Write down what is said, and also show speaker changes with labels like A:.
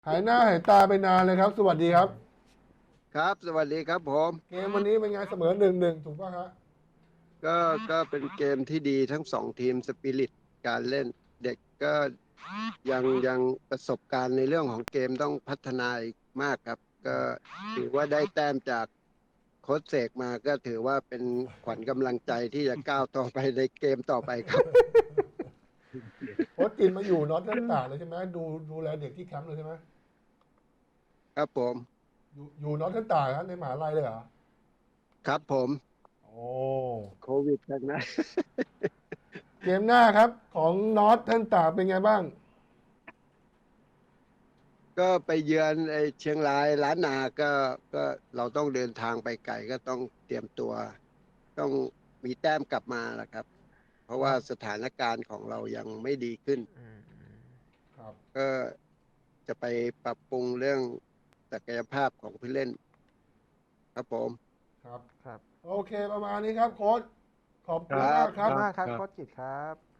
A: หายหน้าหายตาไปนานเลยครับ สวัสดีครับ
B: ครับสวัสดีครับผม
A: เกมวันนี้เป็นไงเสมอ1-1ถูกป่ะฮะ
B: ก็ก็เป็นเกมที่ดีทั้งสองทีมสปิริตการเล่นเด็กก็ยังประสบการณ์ในเรื่องของเกมต้องพัฒนาอีกมากครับก็ถือว่าได้แต้มจากโค้ชเสกมาก็ถือว่าเป็นขวัญกำลังใจที่จะก้าวต่อไปในเกมต่อไปครับ
A: โค้ชจินมาอยู่นอตเทิร์นต่างเลยใช่ไหมดูแลเด็กที่แคมป์เลยใช่ไหม
B: ครับผม
A: อยู่นอตเทิร์นต่างครับในมหาลัยเลยเหรอ
B: ครับผม
A: โอ้
B: โควิดทั้งนั้น
A: เกมหน้าครับของนอตเทิร์นต่างเป็นไงบ้าง
B: ก็ไปเยือนไอ้เชียงรายล้านนาก็เราต้องเดินทางไปไกลก็ต้องเตรียมตัวต้องมีแต้มกลับมาแหละครับเพราะว่า
A: ครับ
B: สถานการณ์ของเรายังไม่ดีขึ้น
A: ครับ
B: ก็จะไปปรับปรุงเรื่องศักยภาพของผู้เล่นครับผม
A: ครับ
C: ครับ
A: โอเคประมาณนี้ครับโค้ชขอบ
B: ครั
A: คุณมา
B: บ
A: กครับ
C: ขอบคุณมากครับ
B: ครับ
C: โค้ชจิตรครับ